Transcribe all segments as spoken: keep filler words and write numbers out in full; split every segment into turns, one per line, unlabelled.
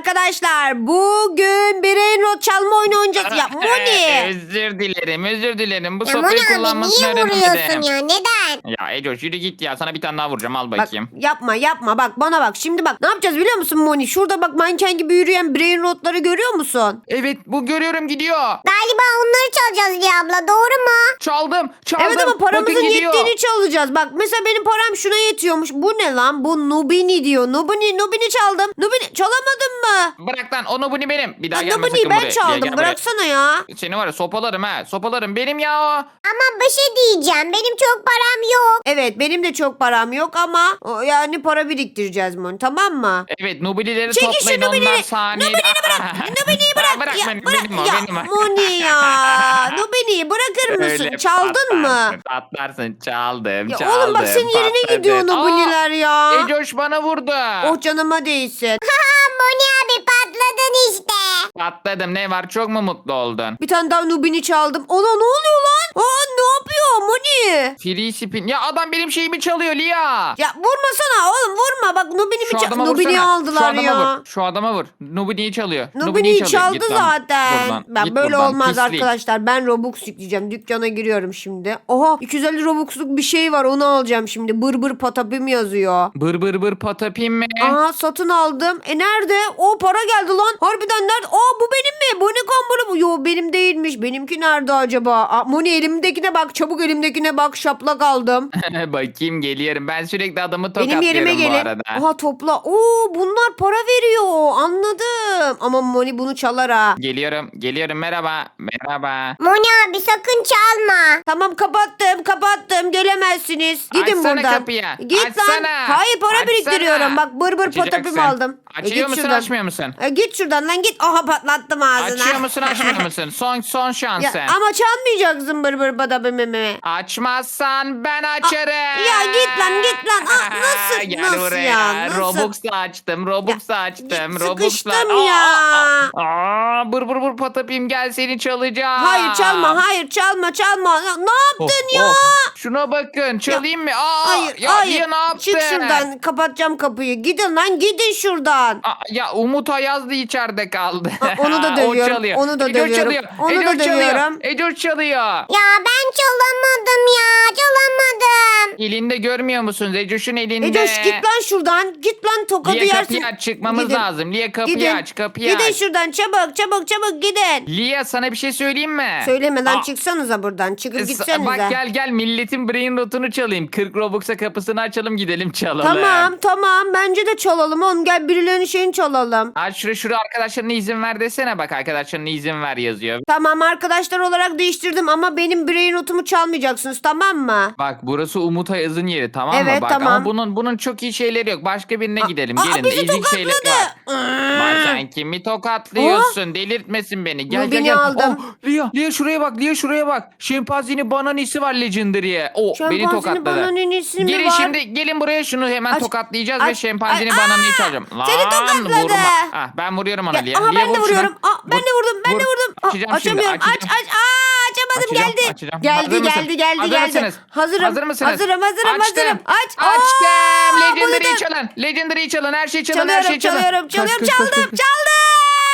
arkadaşlar. Bugün brain rot çalma oyunu oynayacağız. Ya Moni.
Özür dilerim özür dilerim. Bu
Ya
sopayı
Moni abi
kullanmasını
niye vuruyorsun
öğrenemedim.
ya? Neden?
Ya Ecoş yürü git ya. Sana bir tane daha vuracağım. Al
Bak
bakayım.
yapma yapma bak bana bak. Şimdi bak ne yapacağız biliyor musun Moni? Şurada bak manken gibi yürüyen brain rotları görüyor musun?
Evet bu görüyorum gidiyor.
Galiba onları çalacağız Liya abla. Doğru mu?
Çaldım çaldım.
Evet ama paramızın
Bakın gidiyor.
yettiğini çalacağız. Bak mesela benim param şuna yetiyormuş. Bu ne lan? Bu Nubini diyor. Nubini, Nubini çaldım. Nubini çalamadın mı?
Bırak lan o Nubini benim. Bir daha
Ya
gelme
Nubini'yi
sakın
ben
buraya. Gel,
çaldım.
gel buraya.
Bıraksana ya.
Seni var ya sopalarım ha. Sopalarım benim ya o.
Ama bir şey diyeceğim. Benim çok param yok.
Evet benim de çok param yok ama o, yani para biriktireceğiz Moni, tamam mı?
Evet Nubilileri
Çekil şu
toplayın
Nubini'yi.
onlar saniyede.
Nubini'yi bırak. Nubini'yi bırak.
bırak
ya,
beni,
bırak.
benim o
ya,
benim o.
Moni ya. Nubini'yi bırakır mısın?
Öyle
Çaldın mı?
patlarsın, Patlarsın çaldım
Ya
çaldım.
oğlum bak senin yerine
patladı.
gidiyor Nubini'ler ya.
Aa, Ecoş bana vurdu.
Oh canıma değsin.
Ha Moni abi patladın işte.
Patladım ne var çok mu mutlu oldun?
Bir tane daha Nubini çaldım. Ona ne oluyor lan? Aa ne yapıyor Moni?
Free spin. Ya adam benim şeyimi çalıyor Lia.
Ya vurmasana oğlum vurma. Bak Nubini
Şu
mi
adama
çal- Nubini
vursana. Şu
aldılar
adama
ya.
vur. Şu adama vur. Nubini'yi çalıyor.
Nubini'yi
çalıyor.
çaldı
Git lan
zaten.
buradan.
Ben
Git
böyle
buradan,
olmaz
pislik.
arkadaşlar. Ben Robux yükleyeceğim. Dükkana giriyorum şimdi. Oha iki yüz elli Robux'luk bir şey var. Onu alacağım şimdi. Bır bır patapim yazıyor.
Bır bır bır patapim mi?
Aha satın aldım. E nerede? O para geldi lan. Harbiden nerede? Aa bu benim mi? Bu ne kamburu bu? Yo benim değilmiş. Benimki nerede acaba? Aa, Moni elimdekine bak. Çabuk elimdekine bak. Şaplak aldım.
Bakayım geliyorum. Ben sürekli adamı
Benim
tokatlıyorum
yerime
bu
gelin.
arada.
Aha topla. Oo bunlar para veriyor. Anladım. Ama Moni bunu çalar ha.
Geliyorum. Geliyorum. Merhaba. Merhaba.
Moni abi sakın çalma.
Tamam kapattım kapattım gelemezsiniz. Gidin
Açsana
buradan.
kapıyı.
Git lan.
Açsana.
Hayır para
Açsana.
biriktiriyorum. Bak bır bır
Açacaksın.
patapim aldım. E,
Açıyor
git
musun
şuradan.
açmıyor musun?
E, git şuradan lan git. Aha patlattım ağzına.
Açıyor musun açmıyor musun? Son son şansın.
Ya, ama çalmayacaksın bır bır patapimimi.
Açmazsan ben açarım.
Ya git lan git lan. Aa, nasıl
Gel
nasıl
buraya.
ya? Nasıl?
Robux'la açtım. Robux'la açtım.
git,
Robux'la.
sıkıştım ya.
Aa, aa, bır bır bır patapim gel seni çalacağım.
Hayır çalma hayır çalma çalma. Ya, ne
Oh,
yaptın ya?
oh. Şuna bakın çalayım mı? Aa,
Hayır
ya,
hayır.
ya ne yaptın?
Çık şuradan kapatacağım kapıyı. Gidin lan gidin şuradan.
Aa, ya Umut Ayaz da içeride kaldı.
Aa, onu da
O
dövüyorum,
çalıyor.
onu da
Ecoş
dövüyorum,
çalıyor.
onu da
Ecoş çalıyor.
dövüyorum.
Ecoş çalıyor.
Ya ben çalamadım ya. Çalamadım.
Elinde görmüyor musunuz? Ecoş'un elinde.
Ecoş git lan şuradan. Git lan tokadı
Liye
yersin.
kapıyı aç çıkmamız
Gidin.
lazım. Liye kapıyı
Gidin.
aç kapıyı
Gidin
aç.
şuradan çabuk çabuk çabuk gidin.
Liye sana bir şey söyleyeyim mi?
Söylemeden
Aa,
çıksanıza buradan. Çıkıp
s-
gitsenize.
Bak gel gel milletin brain rotunu çalayım. kırk Robux'a kapısını açalım gidelim çalalım.
Tamam tamam bence de çalalım oğlum. Gel birilerinin şeyini çalalım.
Aç şuraya şuraya arkadaşlarına izin ver desene bak arkadaşlarına izin ver yazıyor.
Tamam arkadaşlar olarak değiştirdim ama benim brain notumu çalmayacaksınız tamam mı?
Bak burası Umut Ayaz'ın yeri tamam mı?
Evet,
Bak
tamam.
ama bunun bunun çok iyi şeyleri yok. Başka birine gidelim.
Aa,
Gelin.
bizi
ezik şeyleri
tokatladı.
var. Bak sen kimi tokatlıyorsun? Delirtmesin beni. Gel
Nubini
gel gel.
aldım.
Oh, Lia, Lia şuraya bak. Lia şuraya bak. Şempanzini bananisi var Legendary'e. O beni
Şempanzini
tokatladı.
bananisi mi
Gelin
var?
şimdi gelin buraya şunu hemen
Aç,
tokatlayacağız ve
aç,
şempanzini
aç.
bananayı
Aa,
çalacağım. Lan
seni tokatladı.
vurma. Ah, ben vuruyorum ona
Ya,
Lia.
aha
Lia,
ben de
vur şunu.
vuruyorum. Aa, ben
Vur,
de vurdum. Ben
vur.
de vurdum. Aa,
Açacağım şimdi,
açamıyorum. Aç
açacağım.
aç. Aa, açamadım
Açacağım,
geldi.
açacağım.
Geldi
Hazır mısın?
geldi geldi
Hazır
geldi.
mısınız?
Hazırım.
Hazır mısınız?
Hazırım hazırım
Açtım.
hazırım. Aç.
Açtım.
Aa,
Legendary'i
bunu da-
çalın. Legendary'i çalın. Her şeyi çalın. her
Çalıyorum
şeyi çalın.
çalıyorum
Kaç,
çalıyorum
kaç, kaç,
çaldım
kaç, kaç.
çaldım.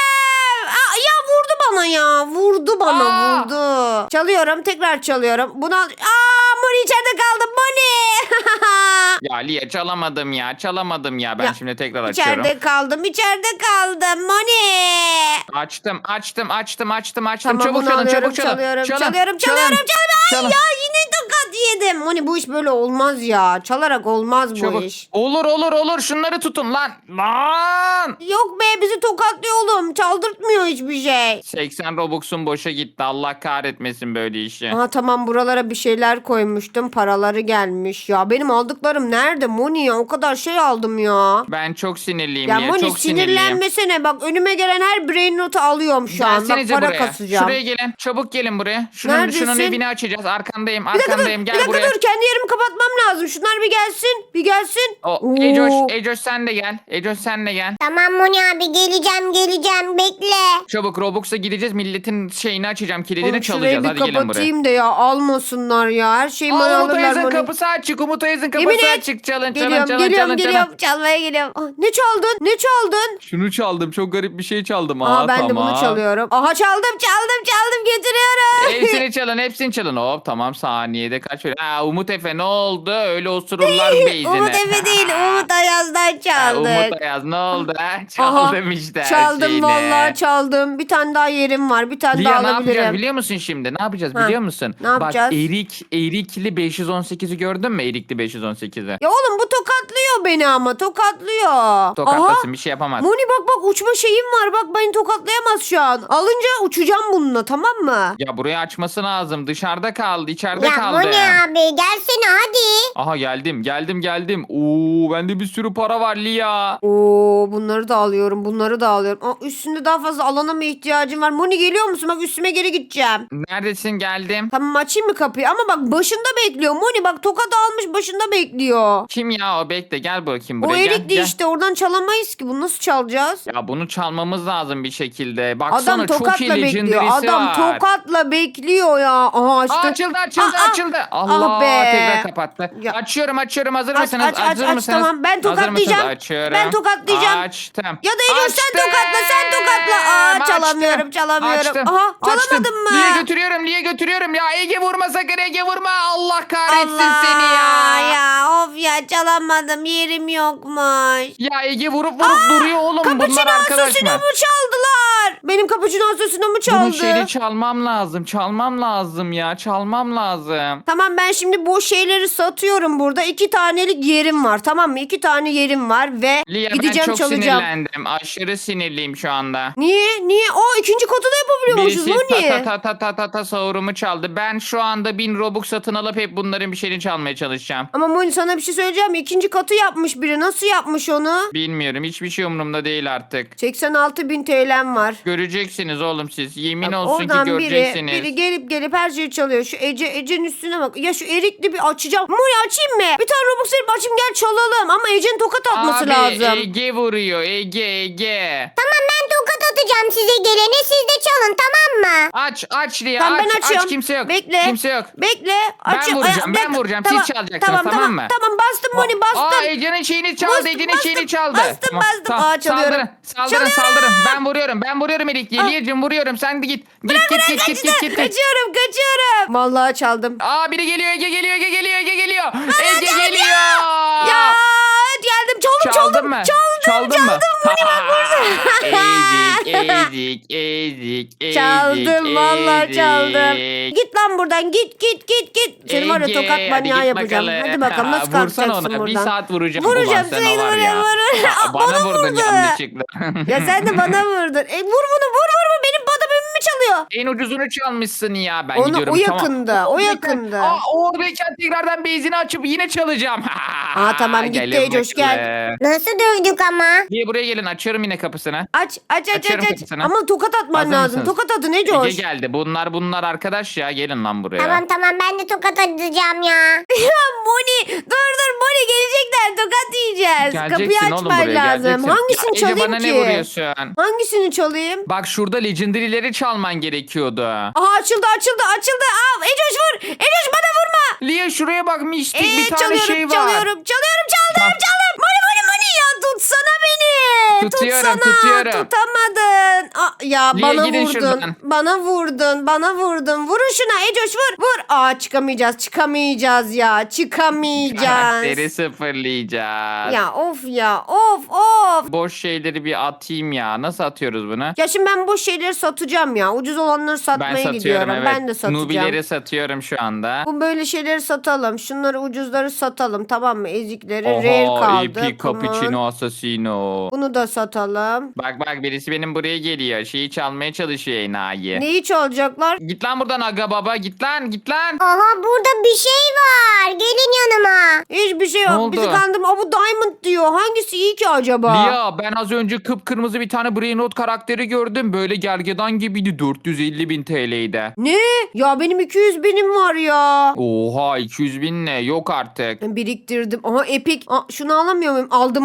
Aa, ya vurdu bana ya. Vurdu bana
Aa.
vurdu. Çalıyorum tekrar çalıyorum. Buna Aa Moni içeride kaldım Moni.
Ya Lia çalamadım ya. Çalamadım ya. Ben
Ya,
şimdi tekrar açıyorum.
İçeride kaldım içeride kaldım Moni.
Açtım açtım açtım açtım açtım.
Tamam
çabuk
bunu
çalın
alıyorum,
çabuk çalın.
çalıyorum,
Çalın,
çalıyorum,
çalın,
çalıyorum, çalıyorum. Ay
çalın.
ya yine tokat yedim. Moni bu iş böyle olmaz ya. Çalarak olmaz bu
Çabuk.
iş.
Olur olur olur şunları tutun lan. Lan.
Yok be bizi tokatlıyor oğlum. Çaldırtmıyor hiçbir şey.
seksen Robux'un boşa gitti. Allah kahretmesin böyle işi.
Aha tamam buralara bir şeyler koymuştum. Paraları gelmiş. Ya benim aldıklarım nerede Moni ya? O kadar şey aldım ya.
Ben çok sinirliyim
Ya
Lia.
Moni
Çok sinirliyim.
sinirlenmesene. Bak önüme gelen her brain notu alıyorum şu an. Bak
Gelsenize
para
buraya.
kasacağım.
Şuraya gelin. Çabuk gelin buraya. Şunun,
Neredesin?
şunun evini açacağız. Arkandayım.
Bir dakika dur.
Arkandayım.
Bir
Gel
dakika
buraya.
dur. Kendi yerimi kapatmam lazım. Şunlar bir gelsin. Bir gelsin.
O,
Oo.
Ecoş, Ecoş sen de gel. Ecoş sen de gel.
Tamam Moni abi geleceğim geleceğim bekle.
Çabuk Robux'a gideceğiz. Milletin şeyini açacağım. Kilidini
Oğlum şurayı
çalacağız.
bir
Hadi gelin buraya.
kapatayım da ya almasınlar ya. Her şeyimi
Aa, Umut
alırlar
Ayaz'ın
Moni.
kapısı açık. Umut Umut Ayaz'ın
Yemin
kafasına
et.
çık. Çalın çalın
Geliyorum
çalın
geliyorum
çalın.
geliyorum.
çalın.
Çalmaya geliyorum. Ah, ne çaldın? Ne çaldın?
Şunu çaldım. Çok garip bir şey çaldım.
Aha
Aa,
ben de
tamam.
bunu çalıyorum. Aha çaldım çaldım çaldım getiriyorum.
Hepsini çalın hepsini çalın. Hop tamam saniyede kaç veriyor? Aa, Umut Efe ne oldu? Öyle osururlar beyzine.
Umut Efe değil Umut Ayaz'dan
Ha,
çaldık.
Umut Ayaz ne oldu? Ha? Çaldım işte her
Çaldım
şeyini.
vallahi çaldım. Bir tane daha yerim var. Bir tane
Lia
daha
ne yapacağız
alabilirim.
biliyor musun şimdi? Ne yapacağız
Ha,
biliyor musun?
ne yapacağız?
Bak erik, erikli beş yüz on sekizi gördün mü? Erikli beş yüz on sekizi.
Ya oğlum bu tokatlıyor beni ama tokatlıyor.
Tokatlasın
Aha.
bir şey yapamaz.
Moni bak bak uçma şeyim var. Bak beni tokatlayamaz şu an. Alınca uçacağım bununla tamam mı?
Ya burayı açması lazım. Dışarıda kaldı. içeride
Ya
kaldı.
Moni abi gelsene hadi.
Aha geldim geldim geldim. Oo bende bir sürü para var Lia.
Oo bunları da alıyorum. Bunları da alıyorum. Aa, üstünde daha fazla alana mı ihtiyacım var? Moni geliyor musun? Bak üstüme geri gideceğim.
Neredesin geldim.
Tamam açayım mı kapıyı? Ama bak başında bekliyor. Moni bak tokat almış başında bekliyor.
Kim ya o bekle gel bakayım
O
buraya gel,
erikli
gel.
işte oradan çalamayız ki. Bunu nasıl çalacağız?
Ya bunu çalmamız lazım bir şekilde. Baksana
Adam
çok iyi
tokatla bekliyor.
legendary'si
Adam
var.
tokatla bekliyor ya. Aha açtı.
Aa, açıldı açıldı
Aa, aa.
açıldı. Allah
Ah be.
tekrar kapattı.
Ya.
Açıyorum açıyorum hazır
Aç,
mısınız?
aç, aç,
hazır
aç,
mısınız?
tamam. Ben
Hazır
tokatlayacağım.
mısınız? Açıyorum.
Ben tokatlayacağım.
Açtım.
Ya da Ecoş sen
Açtım.
tokatla sen tokatla. Aa
Açtım.
çalamıyorum çalamıyorum.
Açtım.
Aha
Açtım.
çalamadın mı?
Niye götürüyorum niye götürüyorum ya Ege vurma sakın Ege vurma Allah kahretsin
Allah
seni ya.
ya of ya çalamadım yerim yokmuş.
Ya Ege vurup vurup duruyor oğlum bunlar
Cappuccino
arkadaş
asosino
mı?
mu çaldılar? Benim cappuccino asosino mu
Bunun
çaldı?
şeyini çalmam lazım çalmam lazım ya çalmam lazım.
Tamam ben şimdi bu şeyleri satıyorum burada. İki tanelik yerim var tamam mı? İki tane yerim var ve
Lia ben
gideceğim
çok
çalacağım.
sinirlendim aşırı sinirliyim şu anda.
Niye? Niye? O ikinci katı da yapabiliyormuşuz.
Birisi
Bu
ta
niye?
ta ta ta ta ta ta sahurumu çaldı. Ben şu anda bin Robux satın alıp hep bunların bir şeyini çalmaya çalışacağım.
Ama Moni sana bir şey söyleyeceğim mi? İkinci katı yapmış biri. Nasıl yapmış onu?
Bilmiyorum hiçbir şey umurumda değil artık.
seksen altı bin T L'm var.
Göreceksiniz oğlum siz. Yemin
Bak,
olsun ki
oradan biri,
göreceksiniz.
biri gelip gelip her şeyi çalıyor. Şu Ece, Ece'nin üstüne bak. Ya şu erikli bir açacağım. Moni açayım mı? Bir tane Robux verip açayım gel çalalım. Ama Ece'nin tokat atması
Abi
lazım.
Ege vuruyor Ege Ege.
Tamam ben tokat atacağım size gelene siz de çalın tamam mı?
Aç aç Lia
Tamam
aç
ben açıyorum.
aç kimse yok.
Bekle.
Kimse yok.
Bekle. Açıyorum.
vuracağım,
Ay,
ben
bekle.
vuracağım. Siz çalacaksınız, tamam
tamam,
mı?
Tamam bastım Moni bastım.
Aa Ece'nin şeyini çaldı
Bastım,
Ece'nin
bastım,
şeyini çaldı.
bastım, bastım. Aa, çalıyorum.
Saldırın saldırın
Çalıyorum.
saldırın. Ben vuruyorum ben vuruyorum Erik. Liyeciğim vuruyorum sen de git. Git git git git git git.
Kaçıyorum kaçıyorum. Vallahi çaldım.
Aa biri geliyor Ege geliyor Ege geliyor Ege geliyor. Ege geliyor.
Ya geldim çaldım çaldım.
Çaldın mı?
Çaldım
Çaldın mı?
çaldım.
Ezik ezik ezik ezik.
Çaldım vallahi
ezik.
çaldım. Git lan buradan git git git git. Seni var ya
Ege,
tokat
hadi
manyağı
git
yapacağım.
bakalım.
Hadi bakalım nasıl
Vursana
kalkacaksın
ona.
buradan.
Bir saat vuracağım.
Vuracağım
ulan sana
seni
var
vuracağım.
ya.
vuracağım.
Aa,
Aa,
Bana
vurdu.
vurdun yanlışlıkla.
Ya sen de bana vurdun. E, vur bunu vur vur vur. Benim badabımı çalıyor.
En ucuzunu çalmışsın ya. Ben
Onu,
gidiyorum
o
tamam.
yakında. O
Oradayken-
yakında.
Aa, oradayken tekrardan benzini açıp yine çalacağım.
Aa, tamam, gitti
Gelin
Ecoş, gel.
bakalım.
Nasıl dövdük ama?
Diye buraya gelin açıyorum yine kapısını.
Aç aç aç
Açıyorum
aç. aç.
kapısını.
Ama tokat atman
Hazır
lazım.
mısınız?
Tokat atın ne
Ege
coş.
geldi. Bunlar bunlar arkadaş ya. Gelin lan buraya.
Tamam tamam ben de tokat atacağım ya.
Ya Moni dur dur Moni gelecekler tokat yiyeceğiz. Kapıyı
Geleceksin oğlum
açman
buraya,
lazım.
geleceksin.
Hangisini
Ya Ece
çalayım
bana
ki?
ne vuruyorsun?
Hangisini çalayım?
Bak şurada legendary'leri çalman gerekiyordu.
Aha açıldı açıldı açıldı. Aa Ecoş vur. Ecoş bana vurma.
Lia şuraya bak mistik
Ee,
bir tane
çalıyorum
şey var.
çalıyorum çalıyorum çaldım
Tamam.
çaldım. Moni Moni Moni ya tutsana beni.
Tutuyorum,
tutsana.
tutuyorum.
Tutamadın. Aa, ya
Lia,
bana
gidin
vurdun.
şuradan.
Bana vurdun. Bana vurdun. Vurun şuna Ecoş vur. Vur. Aa çıkamayacağız çıkamayacağız ya. Çıkamayacağız.
Karakteri sıfırlayacağız.
Ya of ya of of.
Boş şeyleri bir atayım ya. Nasıl atıyoruz bunu?
Ya şimdi ben boş şeyleri satacağım ya. Ucuz olanları satmaya
Ben satıyorum
gidiyorum.
evet.
Ben de satacağım.
Nubileri satıyorum şu anda.
Bu böyle şeyleri satalım. Şunları ucuzları satalım tamam mı? Ezikleri rare kaldı.
E P
Kumar.
Cappuccino Assassino.
Bunu da satalım.
Bak bak birisi benim buraya geliyor. Şeyi çalmaya çalışıyor enayi.
Neyi çalacaklar?
Git lan buradan aga baba git lan git lan.
Aha burada bir şey var. Gelin yanıma.
Hiçbir şey
Ne
yok.
oldu?
Bizi kandırma. Aa, bu diamond diyor. Hangisi iyi ki acaba?
Lia ben az önce kıpkırmızı bir tane Brain Rot karakteri gördüm. Böyle gergedan gibiydi. dört yüz elli bin T L'ydi.
Ne? Ya benim iki yüz binim var ya.
Oha iki yüz bin ne? Yok artık.
Ben biriktirdim. Aha epic. Aa, şunu alamıyor muyum? Aldım aldım aldım.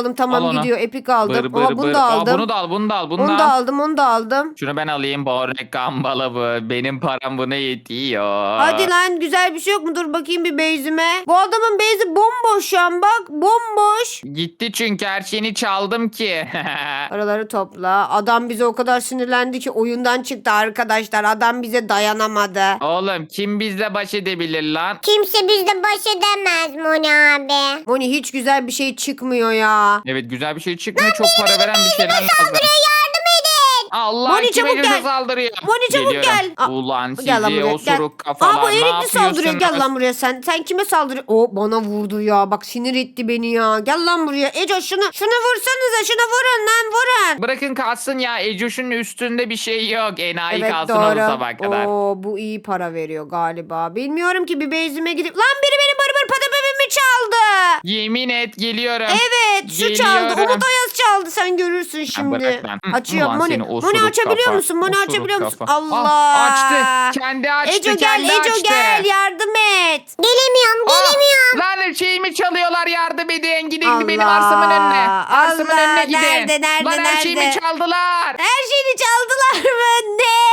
aldım. Tamam
Al onu.
gidiyor. Epik aldım.
Bır bır
Ama bunu
bır.
da
Aa,
aldım.
bunu da al bunu da al bunu
Onu
da
da
al.
aldım. Onu da aldım.
Şunu ben alayım. Bornek kambala bu. Benim param buna yetiyor.
Hadi lan güzel bir şey yok mu? Dur bakayım bir base'ime. Bu adamın base'i bomboş şu an bak. Bomboş.
Gitti çünkü her şeyini çaldım ki.
Paraları topla. Adam bize o kadar sinirlendi ki oyundan çıktı arkadaşlar. Adam bize dayanamadı.
Oğlum kim bizle baş edebilir lan?
Kimse bizle baş edemez Moni abi.
Moni hiç güzel bir şey çıkmıyor ya.
Evet güzel bir şey çıkmıyor. Çok para veren bir şeyler lazım.
Yardım edin.
Allah
Moni,
kim
çabuk
Ecos'a
gel.
saldırıyor.
Moni çabuk
Geliyorum.
gel. Aa,
Ulan sizi
Gel lan buraya,
osuruk
gel.
kafalar
Aa bu
ne
erikli saldırıyor. Gel
yapıyorsunuz?
lan buraya sen. Sen kime saldırıyor? O bana vurdu ya. Bak sinir etti beni ya. Gel lan buraya. Eco şunu şunu vursanıza. Şunu vurun lan vurun.
Bırakın kalsın ya. Ecoş'un üstünde bir şey yok. Enayi
Evet
kalsın onu
doğru.
sabah kadar.
Oo bu iyi para veriyor galiba. Bilmiyorum ki bir base'ime gidip. Lan biri benim barbar patapemimi çaldı.
Yemin et geliyorum.
Evet şu çaldı.
Geliyorum.
Umut Ayaz çaldı. Sen görürsün şimdi.
bırak lan. Hı,
Açıyor.
ulan
Moni.
seni
Moni
osuruk
açabiliyor
kafa,
musun? Moni
osuruk
açabiliyor musun?
kafa.
Allah.
Ah, açtı. Kendi açtı.
Eco gel.
kendi
Eco
açtı.
gel. Yardım et.
Gelemiyorum
Ah,
gelemiyorum.
lan şeyimi çalıyorlar yardım edin. Gidin
Allah,
benim arsamın önüne. Arsamın
Allah,
önüne gidin.
nerede, nerede,
lan her şeyimi
nerede?
çaldılar.
Her şeyini çaldılar mı? Ne?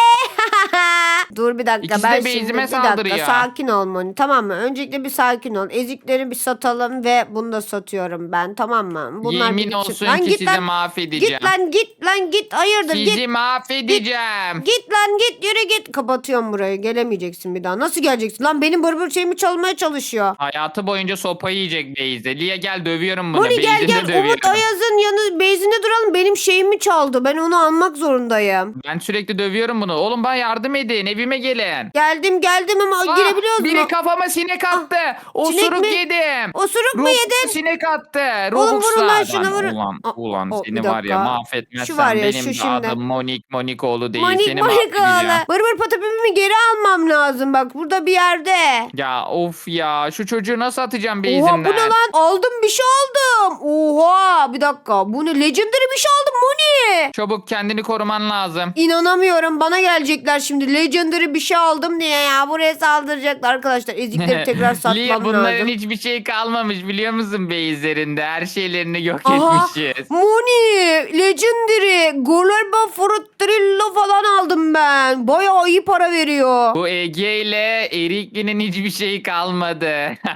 Dur bir dakika
İkisi
ben
de
şimdi
base'ime
bir dakika
saldırıyor.
sakin ol Moni tamam mı? Öncelikle bir sakin ol. Ezikleri bir satalım ve bunu da satıyorum ben tamam mı? Bunlar
Yemin
bir gitsin.
olsun
Lan
ki
git
sizi
lan.
mahvedeceğim.
Git lan git lan git hayırdır
Sizi
git.
mahvedeceğim.
Git lan git yürü git. Kapatıyorum burayı gelemeyeceksin bir daha. Nasıl geleceksin? Lan benim barbar şeyimi çalmaya çalışıyor.
Hayatı boyunca sopa yiyecek Beyze. Lia gel dövüyorum bunu.
Moni gel
Beyze'ni
gel
dövüyorum.
Umut Ayaz'ın yanı bezine duralım. Benim şeyimi çaldı. Ben onu almak zorundayım.
Ben sürekli dövüyorum bunu. Oğlum bana yardım edin. Evime gelin.
Geldim geldim ama
Aa,
girebiliyoruz
biri
mu?
kafama sinek attı. Osuruk
sinek mi?
yedim.
Osuruk mu
Robux
yedin?
sinek attı.
Oğlum vurun lan
Robux'lardan.
şuna vurun.
Ulan,
Aa,
ulan
o,
seni
bir
var ya
dakika.
mahvetmezsen
Şu var ya,
benim
şu
de
şimdi.
adım Monik Monikoğlu değil.
Manik
seni
manik
mahvedeceğim.
ağla. Barbar patapimimi geri almam lazım bak burada bir yerde.
Ya of ya şu çocuğu nasıl atacağım
Oha
beyzimden?
bu ne lan? Aldım bir şey aldım. Oha bir dakika. Bu ne? Legendary bir şey aldım Moni.
Çabuk kendini koruman lazım.
İnanamıyorum bana gelecekler şimdi. Legendary bir şey aldım diye ya. Buraya saldıracaklar arkadaşlar. Ezikleri tekrar
Lia,
satmam
bunların
lazım.
hiçbir şey kalmamış biliyor musun beyizlerinde? Her şeylerini yok
Aha,
etmişiz.
Moni, Legendary, Global Frutrillo falan aldım ben. Bayağı iyi para veriyor.
Bu Ege ile Erikli'nin hiçbir şey kalmadı.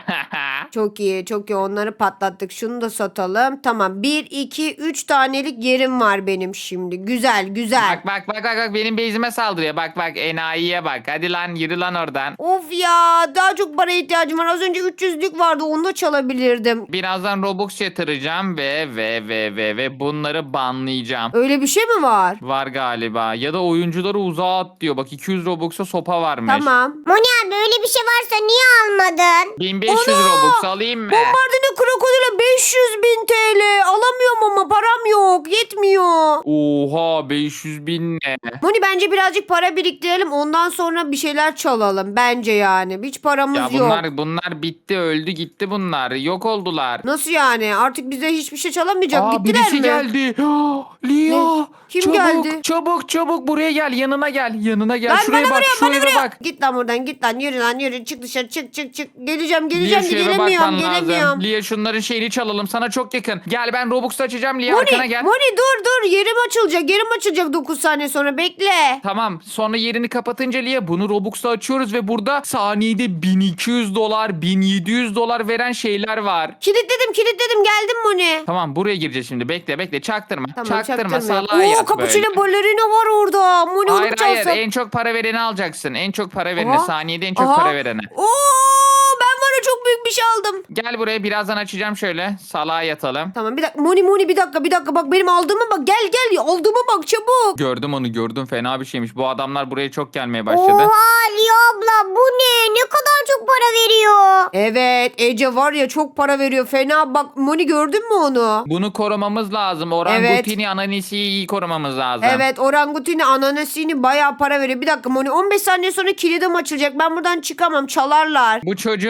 Çok iyi, çok iyi. Onları patlattık. Şunu da satalım. Tamam. Bir, iki, üç tanelik yerim var benim şimdi. Güzel, güzel.
bak bak bak bak bak benim beyzime saldırıyor. Bak bak enayiye bak. Hadi lan yürü lan oradan.
Of ya, daha çok para ihtiyacım var. Az önce üç yüzlük vardı. Onu da çalabilirdim.
Birazdan Robux yatıracağım ve ve ve ve ve bunları banlayacağım.
Öyle bir şey mi var?
Var galiba. Ya da oyuncuları uzağa at diyor. Bak iki yüz Robux'a sopa varmış.
Tamam.
Moni abi öyle bir şey varsa niye almadın?
bin beş yüz
Ana!
Robux alayım mı?
Bombardino krokodile beş yüz bin T L. Alamıyorum ama param yok. Yetmiyor.
Oha beş yüz bin ne?
Moni bence birazcık para biriktirelim. Ondan sonra bir şeyler çalalım. Bence yani. Hiç paramız
Ya
yok.
bunlar bunlar bitti öldü gitti bunlar. Yok oldular.
Nasıl yani? Artık bize hiçbir şey çalamayacak.
Aa,
Gittiler
birisi
mi?
geldi. Lia.
Ne? Kim
çabuk,
geldi?
Çabuk çabuk buraya gel yanına gel yanına gel.
Lan
Şuraya
bana
bak
vuruyor,
şu
bana
eve
vuruyor.
bak.
Git lan buradan, git lan. Yürü lan, yürü. Çık dışarı, çık çık çık. Geleceğim,
Lia
geleceğim.
şu eve
Gelemiyorum,
bakman
gelemiyorum.
lazım. Lia şunların şeyini çalalım sana çok yakın. Gel ben Robux açacağım Lia
Moni,
arkana gel.
Moni dur dur. Yerim açılacak. Yerim açılacak dokuz saniye sonra. Bekle.
Tamam sonra yerini kapatınca Lia bunu Robux'ta açıyoruz ve burada saniyede bin iki yüz dolar bin yedi yüz dolar veren şeyler var.
Kilitledim, kilitledim. Geldim Moni.
Tamam buraya gireceğiz şimdi bekle bekle çaktırma.
Tamam,
çaktırma
çaktırmıyorum.
salağa
Oo,
yat
cappuccino
böyle.
ballerina var orada. Moni
Hayır
onu
hayır
çalsam.
en çok para vereni alacaksın. En çok para vereni
Aha,
saniyede en çok
aha.
para vereni.
Oo, ben var ya çok büyük bir şey aldım.
Gel buraya birazdan açacağım şöyle. Salağa yatalım.
Tamam bir dakika. Moni Moni bir dakika bir dakika. Bak benim aldığıma bak. Gel gel. Aldığıma bak çabuk.
Gördüm onu gördüm fena bir şeymiş. Bu adamlar buraya çok gelmeye başladı.
Oha Lia abla bu ne? Ne kadar çok para veriyor.
Evet Ece var ya çok para veriyor. Fena bak. Moni gördün mü onu?
Bunu korumamız lazım. Orangutini ananisiyi iyi korumamız lazım.
Evet orangutini ananasini bayağı para veriyor. Bir dakika Moni on beş saniye sonra kilidim açılacak. Ben buradan çıkamam çalarlar.
Bu çocuğun da kilidi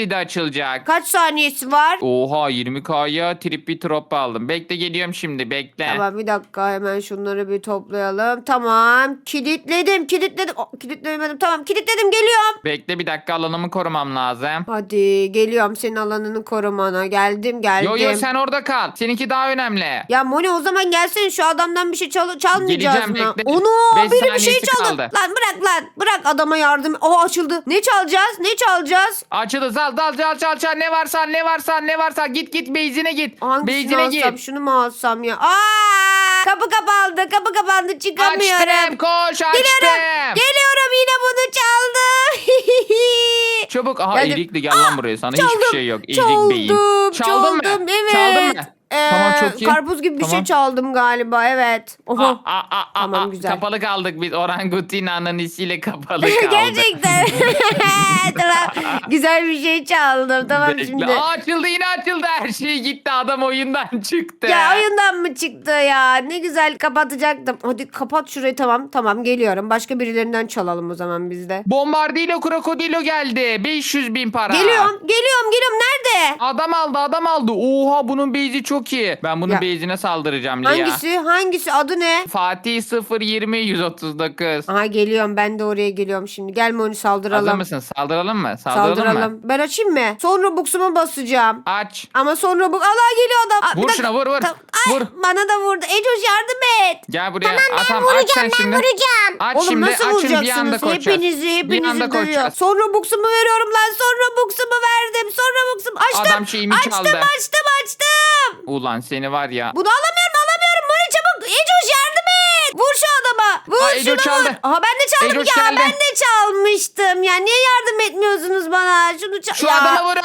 kilidi açılacak.
Kaç saniyesi var?
Oha yirmi K'ya trippy drop aldım. Bekle geliyorum şimdi bekle.
Tamam bir dakika hemen şunları bir toplayalım. Tamam kilitledim kilitledim. Oh, kilitlemedim tamam kilitledim geliyorum.
Bekle bir dakika alanımı korumam lazım.
Hadi geliyorum senin alanını korumana. Geldim geldim.
Yo yo sen orada kal. Seninki daha önemli.
Ya Moni o zaman gelsene şu adamdan bir şey çal çalmayacağız
Geleceğim,
mı?
bekle.
Onu
Beş
biri bir şey
saniyesi
çaldı.
kaldı.
Lan bırak lan bırak adama yardım. O açıldı. Ne çalacağız ne çalacağız?
Açıldı zal dal çal çal çal ne varsa ne varsa ne varsa git git beyzine git.
Hangisini
Beyzine
alsam
git.
şunu mu alsam ya? Aa, kapı kapandı kapı kapandı çıkamıyorum.
Açtım koş açtım.
Geliyorum. Geliyorum yine bunu çaldı.
Çabuk. Aha
Geldim.
eğilikli gel lan buraya. Sana
Çaldım,
hiçbir şey yok. Eğilik
çaldım,
beyin. Çaldın mı?
çaldım, evet.
Çaldın mı?
Ee,
Tamam çok iyi.
Karpuz gibi bir şey
Tamam.
çaldım galiba evet. Oho.
Aa, aa, aa,
Tamam,
aa.
güzel.
Kapalı kaldık biz. Orangutina'nın isiyle kapalı kaldık.
Gerçekten. Tamam. Güzel bir şey çaldım. Tamam
Bekle.
şimdi.
Aa, açıldı yine açıldı. Her şey gitti. Adam oyundan çıktı.
Ya oyundan mı çıktı ya? Ne güzel kapatacaktım. Hadi kapat şurayı tamam. Tamam geliyorum. Başka birilerinden çalalım o zaman biz de.
Bombardilo krokodilo geldi. beş yüz bin para.
Geliyorum. Geliyorum. Geliyorum. Nerede?
Adam aldı adam aldı. Oha bunun base'i çok iyi. Ben bunun
Ya.
base'ine saldıracağım Lia.
Hangisi? Hangisi? Adı ne?
Fatih sıfır yirmi yüz otuz dokuz.
Aha geliyorum. Ben de oraya geliyorum şimdi. Gel Moni saldıralım.
Hazır mısın? Saldıralım mı? Saldıralım,
Saldıralım.
mı?
Ben açayım mı? Son Robux'umu basacağım.
Aç.
Ama sonra bu... Allah geliyor adam. Aa, bir
Vur
dakika.
şuna, vur, vur.
Tamam. Ay,
Vur.
Bana da vurdu. Ecoş yardım et.
Gel buraya.
Tamam ben
Atam, aç
vuracağım
sen
ben
şimdi.
vuracağım.
Aç
Oğlum
şimdi.
nasıl
Açın bir anda
vuracaksınız?
koşacağız.
Hepinizi
Bir
hepinizi
anda
dövüyor.
koşacağız.
Son Robux'umu veriyorum lan. Son Robux'umu verdim. Son Robux'umu açtım.
Adam şeyimi
açtım,
çaldı.
açtım açtım.
Ulan seni var ya.
Bunu alamıyorum alamıyorum. Moni çabuk. Ecoş yardım et. Vur şu adama. Vur
Aa,
şunu
Ecoş
vur.
çaldı.
Aha ben de çaldım
Ecoş
ya.
geldi.
Ben de çalmıştım. Ya niye yardım etmiyorsunuz bana? Şunu çal.
Şu
ya.
adama vurun.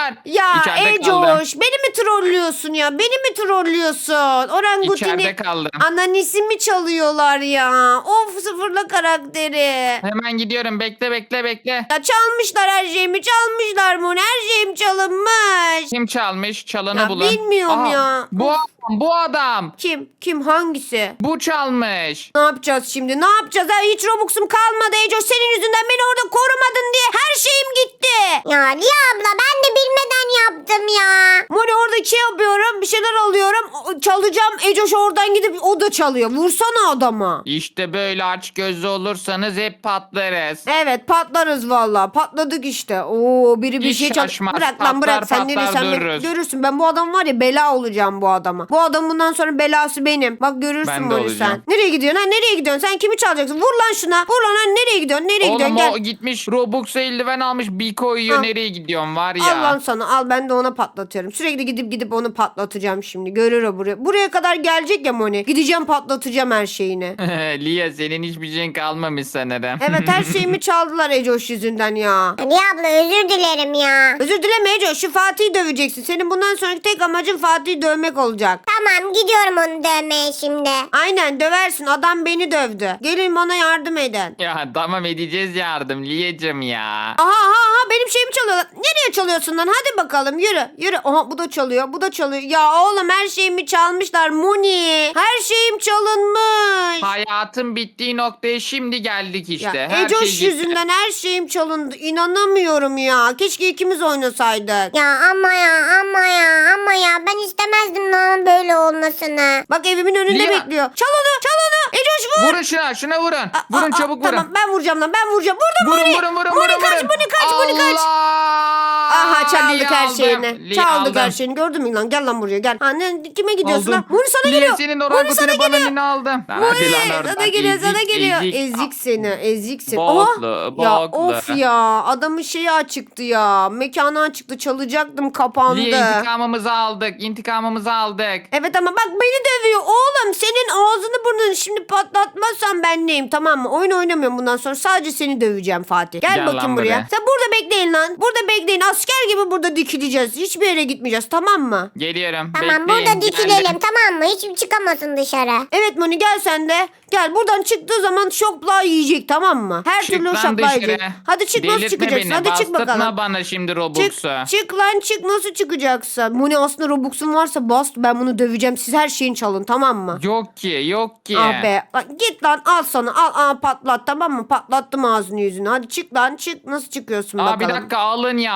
Ya
İçeride kaldım.
Ecoş beni mi trollüyorsun ya? Beni mi trollüyorsun? Orangutini
İçeride kaldım.
ananisimi çalıyorlar ya. Of sıfırla karakteri.
Hemen gidiyorum. Bekle bekle bekle.
Ya çalmışlar her şeyimi çalmışlar Moni. Her şeyim çalınmış.
Kim çalmış? Çalanı
Ya
bulun.
bilmiyorum ya.
Bu adam. Bu adam.
Kim? Kim? Hangisi?
Bu çalmış.
Ne yapacağız şimdi? Ne yapacağız? Ha, hiç Robux'um kalmadı Ecoş. Senin yüzünden beni orada korumadın diye her şeyim gitti.
Ya Lia abla ben de bilmeden yaptım ya.
Moni orada şey yapıyorum. Bir şeyler alıyorum. o- Çalacağım. Ecoş oradan gidip o da çalıyor. Vursana adama.
İşte böyle aç gözlü olursanız hep patlarız.
Evet patlarız valla. Patladık işte. Oo biri bir
Hiç
şey çal.
şaşmaz.
Bırak lan bırak.
Patlar,
Sen
patlar
neresen
dururuz.
görürsün. Ben bu adam var ya bela olacağım bu adama. Bu adam bundan sonra belası benim. Bak görürsün
Ben de
Moni
olacağım.
sen. Nereye gidiyorsun ha? Nereye gidiyorsun? Sen kimi çalacaksın? Vur lan şuna. Vur lan ha. Nereye gidiyorsun? Nereye gidiyorsun?
Oğlum
Gel.
o gitmiş Robux'a eldiven almış bir koyuyor.
Al.
Nereye gidiyorsun var ya.
Al lan sana al ben de ona patlatıyorum. Sürekli gidip gidip onu patlatacağım şimdi. Görür o buraya. Buraya kadar gelecek ya Moni. Gideceğim patlatacağım her şeyini.
Lia senin hiçbir şeyin kalmamış sanırım.
Evet her şeyimi çaldılar Ecoş yüzünden ya.
Lia abla özür dilerim ya.
Özür dileme Ecoş şu Fatih'i döveceksin. Senin bundan sonraki tek amacın Fatih'i dövmek olacak.
Tamam gidiyorum onu dövmeye şimdi.
Aynen döversin adam beni dövdü. Gelin bana yardım edin.
Ya tamam edeceğiz yardım Lia'cım ya.
Aha aha aha benim şeyimi çalıyorlar. Nereye çalıyorsun lan? Hadi bakalım yürü yürü. Aha bu da çalıyor bu da çalıyor. Ya oğlum her şeyimi çalmışlar Moni. Her şeyim çalınmış.
Hayatın bittiği noktaya şimdi geldik işte.
Ya
Her
Ecoş
şey gitti.
yüzünden her şeyim çalındı. İnanamıyorum ya. Keşke ikimiz oynasaydık.
Ya ama ya ama ya ama ya ben istemezdim lan böyle olmasını.
Bak evimin önünde
Lia.
bekliyor. Çal onu çal onu. Ecoş vur.
Vurun şuna şuna vurun.
Aa,
vurun
aa,
çabuk
Tamam
vurun.
ben vuracağım lan ben vuracağım. Vurdum
Vurun
Moni.
vurun vurun
Moni
vurun.
kaç
vurun.
Moni kaç Moni kaç.
Allah!
Aha çaldık
Lia
her
aldım.
şeyini.
Lia
Çaldık
aldım.
her şeyini. Gördün mü lan? Gel lan buraya gel. Ha, ne, kime gidiyorsun
Aldım.
lan? Moni sana
Lia
geliyor.
senin
Moni sana
orangutini bana
geliyor.
yine aldım. Lan hadi
Moni
lan oradan.
sana geliyor sana
Ezik,
geliyor.
ezik.
Ezik seni ezik seni.
Boklu,
Oha. Ya
boklu.
of ya adamın şeyi açıktı ya. Mekanı açıktı çalacaktım kapandı.
Lia intikamımızı aldık. İntikamımızı aldık.
Evet ama bak beni dövüyor oğlum. Senin ağzını burnunu şimdi patlatmazsan ben neyim tamam mı? Oyun oynamıyorum bundan sonra. Sadece seni döveceğim Fatih. Gel,
Gel
bakayım
lan
buraya.
buraya.
Sen burada bekleyin lan. Burada bekleyin. Asker gibi burada dikileceğiz. Hiçbir yere gitmeyeceğiz tamam mı?
Geliyorum.
Tamam
Bekleyin,
burada dikilelim
geldim.
tamam mı? Hiç çıkamasın dışarı.
Evet Moni gel sen de. Gel buradan çıktığı zaman şopla yiyecek tamam mı? Her
Çık
türlü
lan
şopla
dışarı.
yiyecek. Hadi çık nasıl
Delirtme
çıkacaksın?
beni.
Hadi çık
Bastırtma
bakalım.
bana şimdi
Çık,
Robux'u.
çık lan çık nasıl çıkacaksın? Moni aslında Robux'un varsa bas ben bunu döveceğim. Siz her şeyin çalın tamam mı?
Yok ki yok ki.
Ah be. Lan git lan al sana al al patlat tamam mı? Patlattım ağzını yüzünü. Hadi çık lan çık. Nasıl çıkıyorsun
Aa,
bakalım?
bir dakika alın yazdı.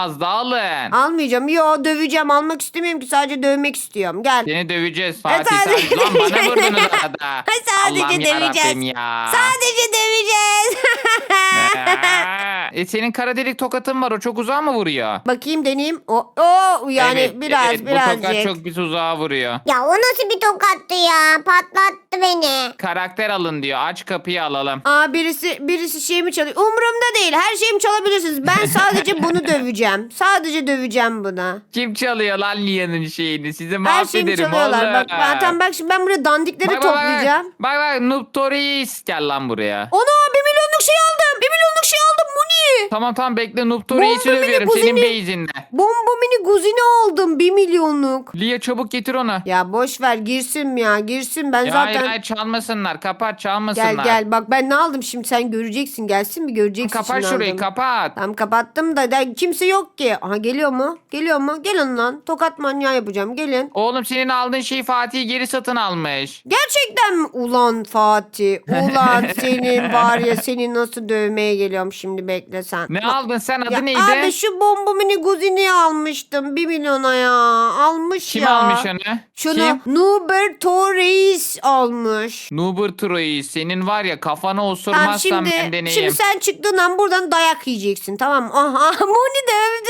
alın.
Almayacağım. Yo döveceğim. Almak istemiyorum ki. Sadece dövmek istiyorum. Gel.
Seni döveceğiz
E,
Fatih.
sadece-
Sen... Lan bana vurdunuz arada.
Sadece
Allah'ım
döveceğiz.
yarabbim ya.
Sadece döveceğiz.
e, senin kara delik tokatın var. O çok uzağa mı vuruyor?
Bakayım deneyeyim. O, o yani
Evet,
biraz
evet,
birazcık.
Bu tokat çok bir uzağa vuruyor.
Ya o nasıl bir tokattı ya? Patlattı beni.
Karakter alın diyor. Aç kapıyı alalım.
Aa birisi birisi şeyimi çalıyor. Umurumda değil. Her şeyimi çalabilirsiniz. Ben sadece bunu döveceğim. Sadece döveceğim bunu.
Kim çalıyor lan Lia'nın şeyini? Sizi
Her şeyimi
mahvederim
çalıyorlar.
oğlum.
Bak, ben, tamam bak şimdi ben buraya dandikleri
Bak, bak, bak.
toplayacağım.
Bak bak Noob Tories gel lan buraya.
Ana bir milyonluk şey aldım. Bir milyonluk şey aldım. Bu ne?
Tamam tamam bekle Noob Tories'i
Bomba
dövüyorum
bile
senin
kuzeni.
base'inle.
Bomba mini guzini aldım. Bir milyonluk.
Lia çabuk getir onu.
Ya boş ver girsin ya girsin. Ben
Ya
zaten...
hayır hayır çalmasınlar. Kapat çalmasınlar.
Gel gel bak ben ne aldım şimdi sen göreceksin. Gelsin bir göreceksin.
Kapat
şimdi
şurayı
aldım.
kapat.
Tamam kapattım da, da kimse yok ki. Aha geliyor mu? Geliyor mu? Gelin lan. Tokat manyağı yapacağım. Gelin.
Oğlum senin aldığın şeyi Fatih geri satın almış.
Gerçekten mi? Ulan Fatih. Ulan senin var ya seni nasıl dövmeye geliyorum şimdi bekle sen.
Ne
Bak-
aldın sen adı
Ya
neydi?
abi şu bomba mini guzini almıştım. Bir milyona ya. Almış
Kim
ya.
almış onu?
Şunu
Kim?
Nuber Torres almış.
Nuber Troy'u senin var ya kafana
Tamam
osurmazsam
şimdi,
ben deneyeyim.
şimdi sen çıktığın an buradan dayak yiyeceksin tamam mı? Aha Moni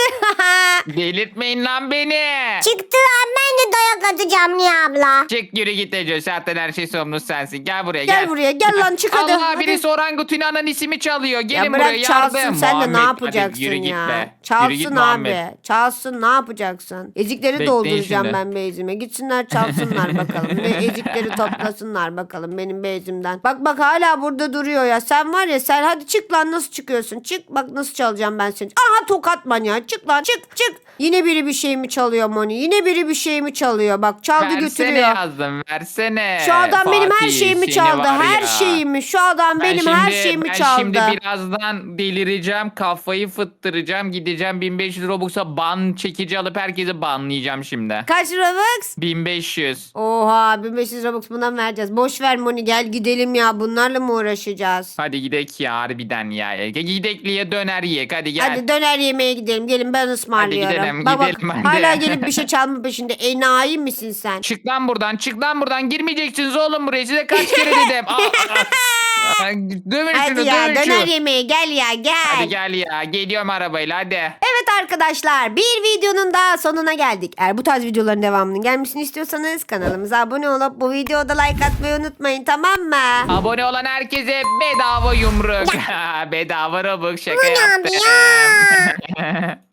dövdü.
Delirtmeyin lan beni.
Çıktı an ben de dayak atacağım Niye abla.
Çık yürü git Ece. Zaten her şey sorumlusu sensin. Gel buraya
Gel
gel.
buraya, gel lan, çık hadi,
Allah
hadi.
birisi orangutanın ismi çalıyor. Gelin
Ya
buraya
bırak
yardım.
çalsın sen de
Muhammed,
ne
hadi
yapacaksın
yürü git
ya?
be. Yürü git
Çalsın
Muhammed.
abi. Çalsın ne yapacaksın? Ezikleri
Bekleyin
dolduracağım
şimdi.
ben bezime. Gitsinler çalsınlar bakalım. Ve ezikleri toplasınlar bakalım benim bezimden. Bak bak hala burada duruyor ya. Sen var ya sen hadi çık lan nasıl çıkıyorsun? Çık bak nasıl çalacağım ben seni. Aha tokat manyağı. Çık lan çık çık. Yine biri bir şey mi çalıyor Moni? Yine biri bir şey mi çalıyor? Bak çaldı
Versene
götürüyor.
yazdım versene.
Şu adam benim her
Fatih,
şeyimi
seni
çaldı.
var
Her
ya.
şeyimi. Şu adam
Ben
benim her
şimdi-
şeyimi
ben
çaldı.
şimdi birazdan delireceğim. Kafayı fıttıracağım. Gideceğim bin beş yüz Robux'a ban çekici alıp herkesi banlayacağım şimdi.
Kaç Robux?
bin beş yüz.
Oha bin beş yüz Robux bundan vereceğiz. Boş ver Moni gel gidelim ya. Bunlarla mı uğraşacağız?
Hadi gidek ya harbiden ya. Gidekliye döner yiyek hadi gel.
Hadi döner yemeğe gidelim. Gelin ben ısmarlıyorum.
gidelim,
Bak bak,
gidelim hadi.
hala gelip bir şey çalma peşinde. Enayi misin sen?
Çık lan buradan çık lan buradan girmeyeceksiniz oğlum buraya size kaç kere dedim. Aa, aa. Aa, dövün
Hadi
şunu
ya
dövün
döner
şunu.
yemeğe gel ya gel.
Hadi gel ya geliyorum arabayla hadi.
Evet arkadaşlar bir videonun daha sonuna geldik. Eğer bu tarz videoların devamının gelmesini istiyorsanız kanalımıza abone olup bu videoda like atmayı unutmayın tamam mı?
Abone olan herkese bedava yumruk. bedava Robux şaka
Bu ne abi
yaptım.
ya?